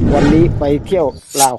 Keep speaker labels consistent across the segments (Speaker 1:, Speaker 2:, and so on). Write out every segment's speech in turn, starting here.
Speaker 1: วันนี้ไปเที่ยวลาว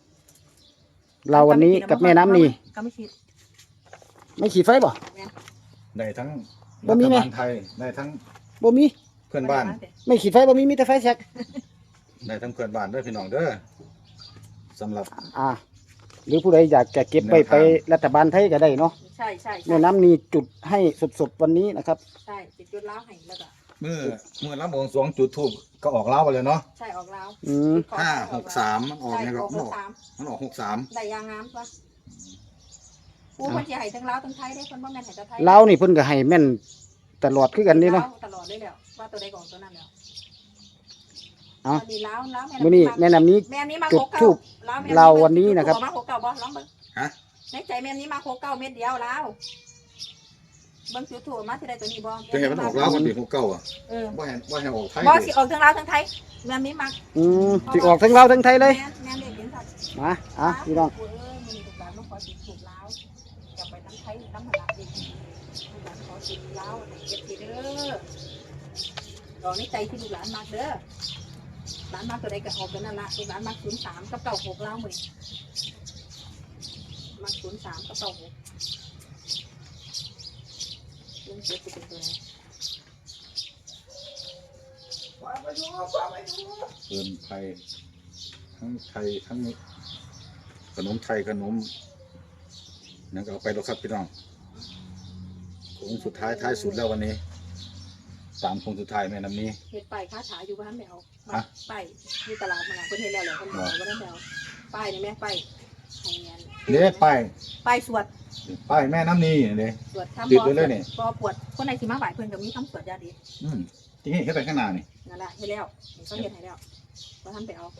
Speaker 1: วันนี้กับแม่น้ำนี
Speaker 2: ก็ไม่คิด
Speaker 1: ไม่ขีดไฟบ่
Speaker 3: ได้ทั้ง
Speaker 1: บ่
Speaker 3: รั
Speaker 1: มี
Speaker 3: ฐ
Speaker 1: ไหม
Speaker 3: บาลไทยได้ทั้ง
Speaker 1: บ่มี
Speaker 3: เพื่อนบ้าน
Speaker 1: ไม่ขีดไฟบ่มีแต่ไฟแช็ก
Speaker 3: ได้ทั้งเพื่อนบ้านด้วยพี่น้องเด้อสำหรับ
Speaker 1: หรือผู้ใดอยากจะเก็บไปรัฐบาลไทยก็ได้เนาะ
Speaker 2: ใช่
Speaker 1: แม่น้ำนีจุดให้สดๆวันนี้นะครับ
Speaker 2: ใช่ติดจุดล้าวให้แล้วก็
Speaker 3: เมื่อรับบวงสรวงจุดธูปก็ออกเล้าไปเลยเนาะ
Speaker 2: ใช่ออกล้าว
Speaker 3: 563มันออกเนี่ยก็มันออก63
Speaker 2: ได้ยางงามปะผู้คนจะให้ทั้งล้าวทั้งไทยได้คนบ่แม่นให้แต่ไทย
Speaker 1: ลาวนี่เพิ่นก็ให้แม่นตลอดคือกันนี่เนาะ
Speaker 2: ตลอดเลยแล้วว่าตัวใดก่อนตัวนั้นแล้ว
Speaker 1: เอา
Speaker 2: ดีล้าว
Speaker 1: มื้อนี้แม่น้ำนี
Speaker 2: แม่นี้มา
Speaker 1: จุดธูปลาววันนี้นะครับ
Speaker 2: มาโคเก่าบ่ลองเบิ่ง
Speaker 3: ฮะ
Speaker 2: ในใจแม่นี้มาโคเก่าเม็ดเดียวล้าวเบิ่งจุดถูกมาที่ใดตัวนี้บ่
Speaker 3: จะเห็นมันออกเล้ากันปี69อ่ะ
Speaker 2: บ่
Speaker 3: บ่ให้ออกไทย
Speaker 2: สิออกทั้งล้าวทั้งไทยแม่นี้มา
Speaker 1: สิออกทั้งลาวทั้งไทยเลย
Speaker 2: แม่เด็กเห็นสัตว์
Speaker 1: มาพี่น้อง
Speaker 2: มีลูกหลานมาขอติดถูกล้าวจะไปทั้งไทยทั้งหลานอีกลูกหลานขอติดล้าวเก็บทีเด้อดอกนี้ใจที่ลูกหลานมากเด้อหลานมากตัวใดก็ออกกันนั่นละลูกหลานมาก03กับ96ล้าวมื้อมาก03กับ96ลุงเจ็บสิเป็นตัวไหน
Speaker 3: เพื่อนไทยทั้งขนมไทยขนมนั่นก็เอาไปแล้วครับพี่น้องโค้งสุดท้ายท้ายสุดแล้ววันนี้ตามโค้งสุดท้ายแม่น้ำนี้
Speaker 2: เฮ็ดป้ายค้าขายอยู่บ้านแมวป้ายที่ตลาดมาเพิ่นเฮ็ดแล้วเหรอเพิ่นบอกว่าแมวป้ายนี่แม่ป้ายให้แม่น
Speaker 3: เนี่ย
Speaker 2: ป้ายสวด
Speaker 3: ป้ายแม่น้ำนี้เนี่ย
Speaker 2: สวดคำ
Speaker 3: ติดไว้เลยนี่
Speaker 2: บ่ปวดคนไหนสิมาไหว้เพิ่นก็มีคำสวดยาดี
Speaker 3: จริงๆเห็นไปข้างหน้านี่
Speaker 2: นั่นแหละเฮ็ดแล้วเขาเฮ็ดให้แล้วบ่ทันไปเอา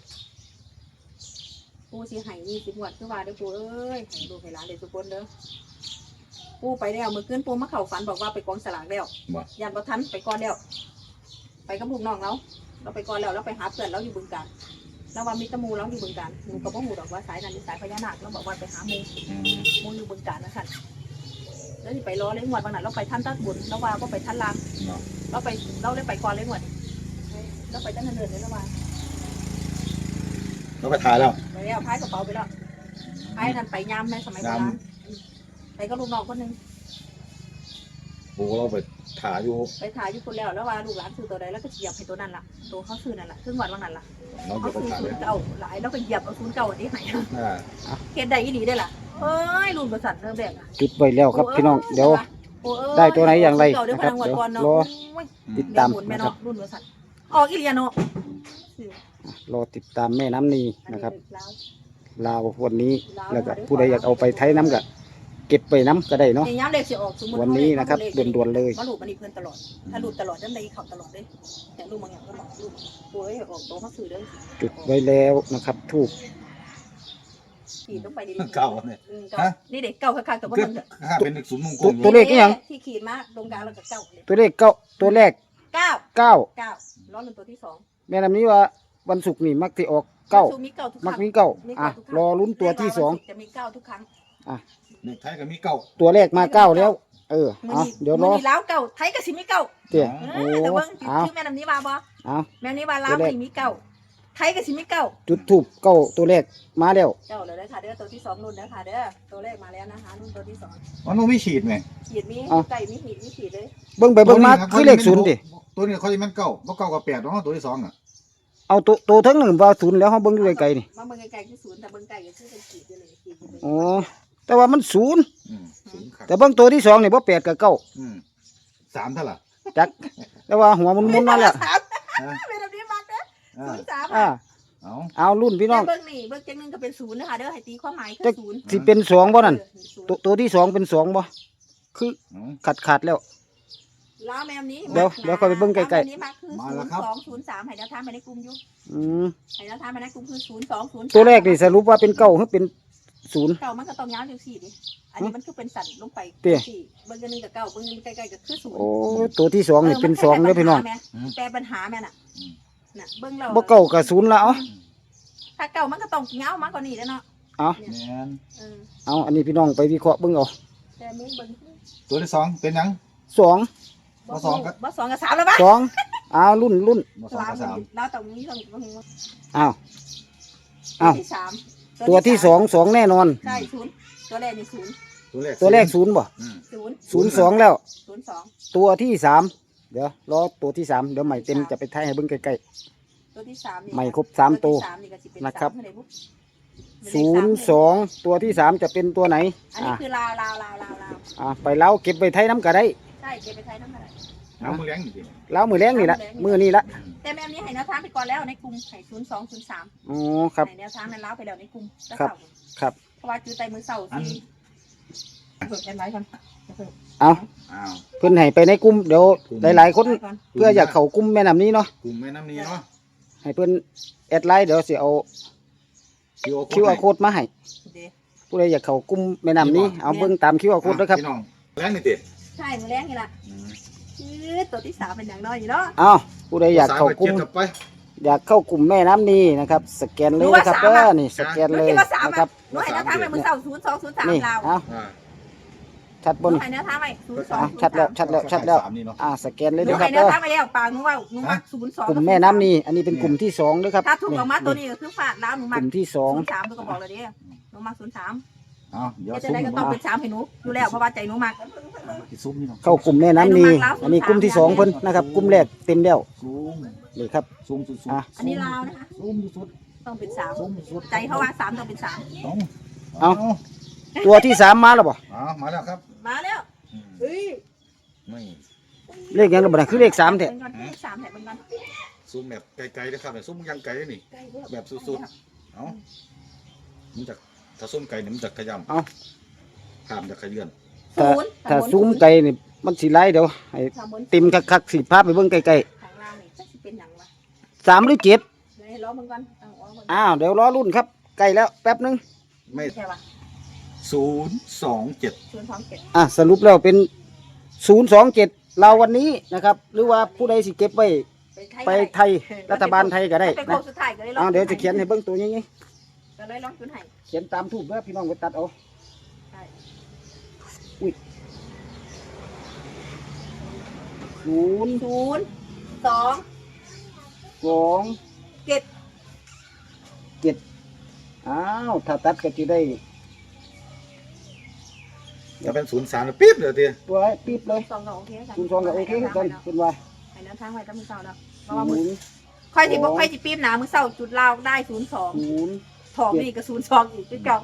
Speaker 2: ปู่สิให้20งวดคือว่าเด้อปู่เอ้ยให้ลูกให้หลานได้ทุกคนเด้อปู่ไปแล้วเมื่อคืนปู่มาเข้าฝันบอกว่าไปกองสลากแล้ว
Speaker 3: บ่
Speaker 2: ยันบ่ทันไปก่อนแล้วไปกับลูกน้องเราไปก่อนแล้วเราไปหาเพื่อนเราอยู่บึงกาฬแล้วว่ามีตะมูเราอยู่บึงกาฬหนูก็บ่ฮู้ดอกว่าสายนั้นเป็นสายพญานาคเราบอกว่าไปหาหมู่อยู่บึงกาฬนะคั่นแล้วสิไปรอเลยงวดบางนั้นเราไปท่านตัดบุญแล้วว่าบ่ไปท่านลางเราเลยไปก่อนเลยงวดเราไปตั้งแต่เดือนเลยแล้วว่า
Speaker 3: เราไปถ่ายแล้ว
Speaker 2: ไปแล้วพายกระเป๋าไปแล้วพายนั่นไปยามในสมัยโบราณไปก็ลูกน้องคนนึง
Speaker 3: โอ้เราไปถ่ายอยู่
Speaker 2: ไปถ่ายอยู่คนแล้วว่าลูกหลานซื้อตัวใดแล้วก็เหยียบให้ตัวนั้นล่ะตัวเขาซื้อนั่นล่ะซึ่งวันนั้นล่ะ
Speaker 3: เรา
Speaker 2: เขา
Speaker 3: จะไป
Speaker 2: ซื้อ
Speaker 3: ถ่าย
Speaker 2: ศู
Speaker 3: เลย
Speaker 2: นย์เก่าหลายแล้วก็เหยียบเอาศูนย์เก่าอันนี้ให้เฮ็ดได้อีหลีได้ล่ะเอ้ยรุ่นประสันเริ่มแรกอ่ะ
Speaker 1: จุดไว้แล้วครับพี่น้องเดี๋ยว ได้ตัวไหนอย่างไรนะครับ
Speaker 2: เดี๋ยวรอ
Speaker 1: ติดตามนะ
Speaker 2: นะ
Speaker 1: ค
Speaker 2: ค
Speaker 1: รั
Speaker 2: รับ บรุ่นประสันออกอีเลียเนาะ
Speaker 1: รอติดตามแม่น้ำนีนะครับลาววันนี้แล้วก็ผู้ใดอยากเอาไปไทยน้ำก็เก็บไปน้ำก็ได้เนาะ
Speaker 2: ย้ำเลขสิออกสมมุติ
Speaker 1: วันนี้นะครับด่วนๆเลย
Speaker 2: มาลูกมันอีเพิ่นตลอดถ้าลูกตลอดจังได๋เข้าตลอดเด้แต่ลูกบางอย่างก็บอกลูกป่วยออกโตเขาซื้อเด้อ
Speaker 1: จุดไว้แล้วนะครับทูบ
Speaker 2: ขีดลงไปดี
Speaker 3: เก่าเนี่ย
Speaker 2: นี่เด็กเก่าคักๆแต่ว่า
Speaker 3: ก็
Speaker 2: มัน
Speaker 3: ถ้าเป็นศูนย์มงคล
Speaker 1: ตัวเลขนี่ยัง
Speaker 2: ที่ขีดมาตรงกลางแล้วก็เก้าเลย
Speaker 1: ตัวเลขเก้าตัวแรก
Speaker 2: เก้า
Speaker 1: เก้า
Speaker 2: เก้าล้อหนึ่งตัวที่สอง
Speaker 1: แม่น้ำนี้ว่าวันศุกร์นี่มักที่ออกเก้า
Speaker 2: มีเก้าทุกค
Speaker 1: มั
Speaker 2: รั้
Speaker 1: ก
Speaker 2: ง
Speaker 1: มีเก้าอ่ะรอลุ้นตัวที่สอง
Speaker 2: จะมีเก้าทุกครั้ง
Speaker 3: เด็กไทยก็มีเก่า
Speaker 1: ตัวแรกมาเก้าแล้ว เดี๋ยวรอ
Speaker 2: มีล้าวเก้าไทยก็สิมีเก้า
Speaker 1: เตี๋ยโอ้
Speaker 2: แต่เบิ่ง
Speaker 1: เอา
Speaker 2: ชื่อแม่น้ำนี้ว่าบ่
Speaker 1: เอา
Speaker 2: แม่นี้ว่าล้าวมีเก้าไทยก็สิมีเก้า
Speaker 1: จุดทูบเก้าตัวแรกมาแล้ว
Speaker 2: เจ้าเลยนะค่ะเด้อตัวที่สองนุ่นนะค่ะเด้อตัวแรกมาแล้วนะคะนุ่นตัวที่สอง
Speaker 3: อ๋อน้องไม่ฉีดไหม
Speaker 2: ขีดมีไก่มีหีดมีขีดเลย
Speaker 1: เบิ่งไปเบิ่งมาคือเลขศูนย์ดิ
Speaker 3: ตัวนี้เขาจะมันเก่าเพราะเก่ากับ8น้องตัวที่2อ่ะ
Speaker 1: เอาตัวทั้งหนึ่งว่าศูนย์แล้วเขาเบิ่งอยู่ไกลๆนี่
Speaker 2: มาเบิ่งไก่ที่ศูนย์แต่เบิ่งไก่ก็คือเป็นขีดอยู่เลยขีดอยู่เลย
Speaker 1: อ๋อแต่ว่ามันศูนย์
Speaker 3: ศูนย์ครับ
Speaker 1: แต่เบิ่งตัวที่สองนี่บ่แปดกับเก้า
Speaker 3: 3เท่าไหร่
Speaker 1: จักแต่ว่าหัวมุนๆมาแล้ว
Speaker 2: เป็นแบบนี้มากเด้อศูนย์สาม
Speaker 1: เอารุ่นพี่น้อง
Speaker 2: เบิ่งนี่เบิ่งจังนึงก็เป็นศูนย์นะคะเด้อให้ตีความหมายคือศูนย์
Speaker 1: สิเป็นสองบ่นั่นตัวที่สองเป็นสองบ่คือขาดแล้ว
Speaker 2: ล้าวแมวนี้
Speaker 1: เดี๋ยวค่อยไปเบิ่งใกล้ๆ
Speaker 2: ๆนี่มาคือ0203ให้แนวทางไปในกลุ่มอยู่ ให้แนวทางไปในกลุ่มคือ0203
Speaker 1: ตัวแรกนี่สรุปว่าเป็นเก้าหรือเป็นศูนย์
Speaker 2: เก่ามันก็ต้องยาวจังซี่ดิอันนี้มันคือเป็นสันลงไป
Speaker 1: เตี้ย
Speaker 2: สี่เบิ่งจังนึงกับเก้าเบิ่งใกล้ๆก็คือศูนย์
Speaker 1: โอ้ตัวที่สองนี่เป็นสองเด้อพี่น้อง
Speaker 2: แปลปัญหาแม่น่ะน่ะเบิ่งเรา
Speaker 1: บ่เก้ากับศูนย์แล้ว
Speaker 2: ถ้าเก่ามันก็ต้องยาวมากกว่านี้แล้วเนาะ
Speaker 1: เอา
Speaker 3: แม่น
Speaker 1: เอาอันนี้พี่น้องไปวิเคราะห์เบิ่งเอา
Speaker 2: แต่มึงเบิ่ง
Speaker 3: ตัวที่2เป็นหยัง
Speaker 1: สอง
Speaker 3: บ่สองครับ
Speaker 2: บ่สองกับสามแล้วปะ
Speaker 1: สองเอารุ่น
Speaker 3: บ่2กับ3
Speaker 2: เราต้องมีต้อง
Speaker 1: เอาอ้าว
Speaker 2: ที่สาม
Speaker 1: ตัวที่สองสองแน่นอน
Speaker 2: ใช่ศูนย์ตัวแรกนี่ศูนย์
Speaker 1: ตัวแรกศูนย์บ่
Speaker 3: อืม
Speaker 2: ศูนย์
Speaker 1: ศูนย์สองแล้ว
Speaker 2: ศูนย์สอง
Speaker 1: ตัวที่สามเดี๋ยวรอตัวที่สามเดี๋ยวใหม่เต็มจะไปท้ายให้เบิ่งใกล้
Speaker 2: ตัวที่สามนี่
Speaker 1: ไม่ครบสามตัว
Speaker 2: ที่สามนี่ก็สิเป็น
Speaker 1: นะครับ
Speaker 2: สามเท่าไหบุ๊
Speaker 1: ๆศูนย์สองตัวที่สามจะเป็นตัวไหน
Speaker 2: อันนี้คือลาว
Speaker 1: ไปเล้าเก็บไปไทยน้ำก็ได้
Speaker 2: ใช่เก็บไปใช้ทั้งหมดเลย
Speaker 3: เอามือแรงจริง
Speaker 1: เล้ามือแรงนี่ละมือนี่ละ
Speaker 2: แต่แม่นี้ให้แนวทางไปก่อนแล้วในกลุ่มให้ศูนย์สองศูนย์สาม
Speaker 1: อ๋อครับ
Speaker 2: ให้แนวทางนั้นแล้วไปแล้วในกลุ่มแล้ว
Speaker 1: ครับ
Speaker 2: เสาร์
Speaker 1: ครับ
Speaker 2: เพราะว่าจื้อไตมือเสาร์ที่เปิดกันไว้ก่อน
Speaker 1: เอา
Speaker 3: อ้าว
Speaker 1: เพิ่นให้ไปในกลุ่มเดี๋ยวหลายๆคนเพื่ออยากเข้ากลุ่มแม่น้ำนี้เนาะ
Speaker 3: กลุ่มแม่น้ำนี้เนาะ
Speaker 1: ให้เพิ่นแอดไลน์เดี๋ยวสิเอา QR code มาให้
Speaker 2: เดี๋ยว
Speaker 1: ผู้ใดอยากเข้ากลุ่มแม่น้ำนี้เอาเบิ่งตาม QR code ด้วยครับ
Speaker 3: พี่น้องแรงนี่ติ
Speaker 2: ใช่มือแรกนี่แหละตัวที่สามเป็นอย่างน้อยอยู่เนาะ
Speaker 1: เอาผู้ใดอยากเข้ากลุ่ม
Speaker 3: สวไปเบไป
Speaker 1: อยากเข้ากลุ่มแม่น้ำนี้นะครับสแกนเลยนะครับนี่สแกน
Speaker 2: หนู
Speaker 1: เลย
Speaker 2: คิดว่าสาม
Speaker 1: นะครับ
Speaker 2: หนูให้แนวทางไปมือเสาร์ศูนย์สองศูนย์สาม
Speaker 1: นี่
Speaker 2: ลาว
Speaker 1: เอา
Speaker 3: อ่า
Speaker 1: ชัด
Speaker 2: ห
Speaker 1: บน
Speaker 2: นูให้แนวทางไปศูนย์สอง
Speaker 1: ชัดแล้วชัดแล้วชัดแล้ว
Speaker 3: สามนี่เนาะ
Speaker 1: สแกนเลย
Speaker 2: หนู
Speaker 1: นะค
Speaker 2: ให้
Speaker 1: รับ
Speaker 2: แนวทางไปแล้วปากหนูว่าหนูมักศูนย์สอง
Speaker 1: กลุ่มแม่น้ำนี้อันนี้เป็นกลุ่มที่สองด้วยครับ
Speaker 2: ถ้าถูกออกมาตัวนี้ก็คือฝาดแล้วหนู
Speaker 1: ก
Speaker 2: มัก
Speaker 1: ลุ่มที่สอง
Speaker 2: ศูนย์สามตัวก็บอกเลยดิหนูมักศูนย์สาม
Speaker 3: เอาเดี๋ยว
Speaker 2: จะ
Speaker 3: ซุ้ม
Speaker 2: ได้ก็ต้องเป็นสามให้หนูอยู่แล้วเพราะว่าใจหนูมัก
Speaker 3: ซุ้มนี่เนาะ
Speaker 1: เข้ากลุ่มแม่น้ำนี้อันนี้กลุ่มที่สองเพิ่นนะครับกลุ่มแรกเต็มแล้ว
Speaker 3: ซุ้ม
Speaker 1: นี่ครับ
Speaker 3: ซุ้มสุด
Speaker 1: อ่ะ
Speaker 2: อันนี้ลาวนะคะ
Speaker 3: ซุ้มสุด
Speaker 2: ต้องเป็นสาม
Speaker 3: ซุ้มสุด
Speaker 2: ใจเขาว่าสามต้องเป็นสาม
Speaker 1: ตัวที่สามมาแล้วบ่
Speaker 3: เอามาแล้วครับ
Speaker 2: มาแล้ว
Speaker 3: อืม
Speaker 2: เฮ้ย
Speaker 3: ไม่
Speaker 1: เลขยังระบาดคือเลขสามแท้
Speaker 2: เป็นก่อนเลขสามแถบเป็นก่อน
Speaker 3: ซุ้มแบบไกลๆนะครับเนี่ยซุ้มยังไกลนี่
Speaker 2: ใกล้เยอะ
Speaker 3: แบบสุดๆเอามันจะถ้าซุ้มไก่เนี่ยมันจะขยำ
Speaker 1: เอา
Speaker 3: ข้ามจะขยื่น
Speaker 2: ศูนย์
Speaker 1: ถ้าซูมไกลนี่มันสีไล่เดี๋ยวให้
Speaker 2: สามบน
Speaker 1: ติมคักๆสีภาพไปเบิ่งไกล
Speaker 2: ข้างล่างนี่จะสิเป็นอย่างไร
Speaker 1: ๆสามหรือเจ็ด
Speaker 2: เลยล้อมึงก่อนเอาออกก่อน
Speaker 1: เดี๋ยวรอรุ่นครับใกล้แล้วแป๊บนึง
Speaker 3: ไม่
Speaker 2: ใช่ป่ะ
Speaker 3: 027
Speaker 2: ศูนย์สองเจ็ด
Speaker 1: สรุปแล้วเป็น027เราวันนี้นะครับ หรือว่าผู้ใดสิเก็บไว้ไปไทยรัฐบาลไทยก็ได้
Speaker 2: เป็นโค้
Speaker 1: นะ
Speaker 2: งสุดท้ายก็เลยลอง
Speaker 1: เดี๋ยวจะเขียนให้เบิ่งตัวนี้
Speaker 2: ก็เลยลองจุดให้
Speaker 1: เขียนตามทูบเด้อพี่น้องไปตัดเอา
Speaker 2: ใช่
Speaker 1: ศูนย์
Speaker 2: ศูนย์สอง
Speaker 1: สอง
Speaker 2: เจ็ด
Speaker 1: เจ็ดถ้าตัดก็จะได้
Speaker 3: จะเป็น03ปิ๊บเดี๋ยวที
Speaker 1: ตัวให้ปิ๊บเลย
Speaker 2: สองก็โอเคกัน
Speaker 1: 02ก็โอเคคือกันเป็นว่า
Speaker 2: ให้น้ำทางไว้ตั้งมือเศร้าแล้วเพราะว่ามือ
Speaker 1: ศูนย์
Speaker 2: ค่อยสิบอกค่อยสิปี๊บหนามือเศร้าจุดลาวได้ศูนย์สอง
Speaker 1: ศูนย์
Speaker 2: ทองนี่ก็ศูนย์สองอีกจุดเก่า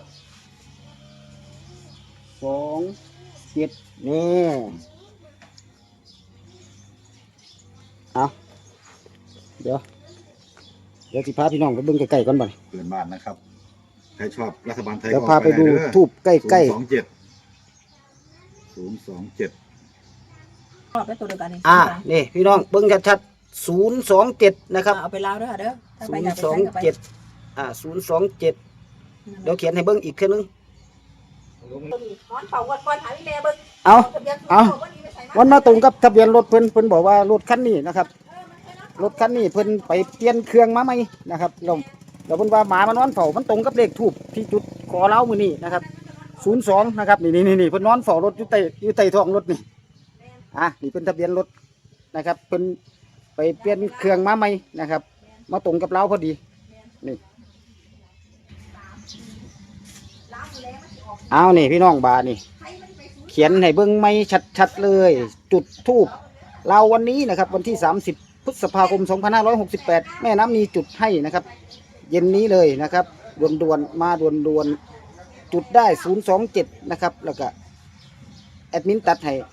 Speaker 1: สองเจ็ดนี่เอาเดี๋ยวสิพาพี่น้องไปเบิ่งใกล้ๆก่อนบ่
Speaker 3: เปลี่ยนบ้านนะครับใครชอบรัฐบาลไทย
Speaker 1: เดี๋ยว
Speaker 3: ก็
Speaker 1: พาไปดูทูบใกล้
Speaker 3: 027
Speaker 2: รอบได้ตัวเดียวกันนี่
Speaker 1: นี่พี่น้องเบิ่งชัดๆ027นะครับ
Speaker 2: เอาไปลาวด้วยค่ะเด้อถ้าไปอยากไป
Speaker 1: 027
Speaker 2: ใช้ก็ไป
Speaker 1: 027เดี๋ยวเขียนให้เบิ่งอีกเทื่อนึง
Speaker 2: นอนเป่าวันก่อนหาพี่แม่เบิ่ง
Speaker 1: เอา
Speaker 2: ทะเบียน
Speaker 1: เอา
Speaker 2: วันนี้ไปใส่
Speaker 1: วันมาตรงกับทะเบียนรถเพิ่นบอกว่ารถคันนี้นะครับรถคันนี้เพิ่นไปเปลี่ยนเครื่องมาใหม่นะครับแล้วเพิ่นว่าหมามันนอนเฝ้ามันตรงกับเลขทูบที่จุดขอเล้ามื้อนี้นะครับ02นะครับนี่เพิ่นนอนเฝ้ารถอยู่ใต้ท้องรถนี่นี่เป็นทะเบียนรถนะครับเพิ่นไปเปลี่ยนเครื่องมาใหม่นะครับ มาตรงกับเราพอดีนี่นี่พี่น้องบานี่เขียนให้เบิ่งไม่ชัดๆเลย จุดทูบเราวันนี้นะครับวันที่30พฤษภาคม2568แม่น้ำนีจุดให้นะครับ เย็นนี้เลยนะครับด่วนๆมาด่วนๆจุดได้027นะครับแล้วก็แอดมินตัดให้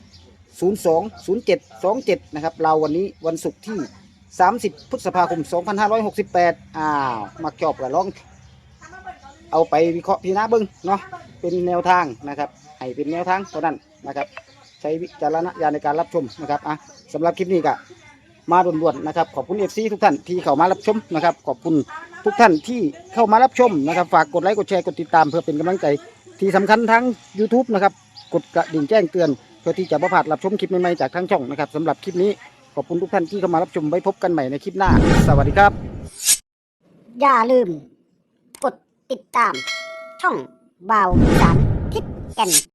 Speaker 1: 020727นะครับเราวันนี้วันศุกร์ที่30พฤษภาคม2568มาจอบกับลองเอาไปวิเคราะห์พิจารณาเบิ่งเนาะเป็นแนวทางนะครับให้เป็นแนวทางเท่านั้นนะครับใช้วิจารณญาณในการรับชมนะครับสำหรับคลิปนี้ก็มาด่วนๆนะครับขอบคุณ FC ทุกท่านที่เข้ามารับชมนะครับขอบคุณทุกท่านที่เข้ามารับชมนะครับฝากกดไลค์กดแชร์กดติดตามเพื่อเป็นกำลังใจที่สำคัญทั้ง YouTube นะครับกดกระดิ่งแจ้งเตือนเพื่อที่จะบ่พลาดรับชมคลิปใหม่ๆจากทางช่องนะครับสำหรับคลิปนี้ขอบคุณทุกท่านที่เข้ามารับชมไว้พบกันใหม่ในคลิปหน้าสวัสดีครับ
Speaker 4: อย่าลืม กดติดตาม ช่องบ่าวสารทิศแก่น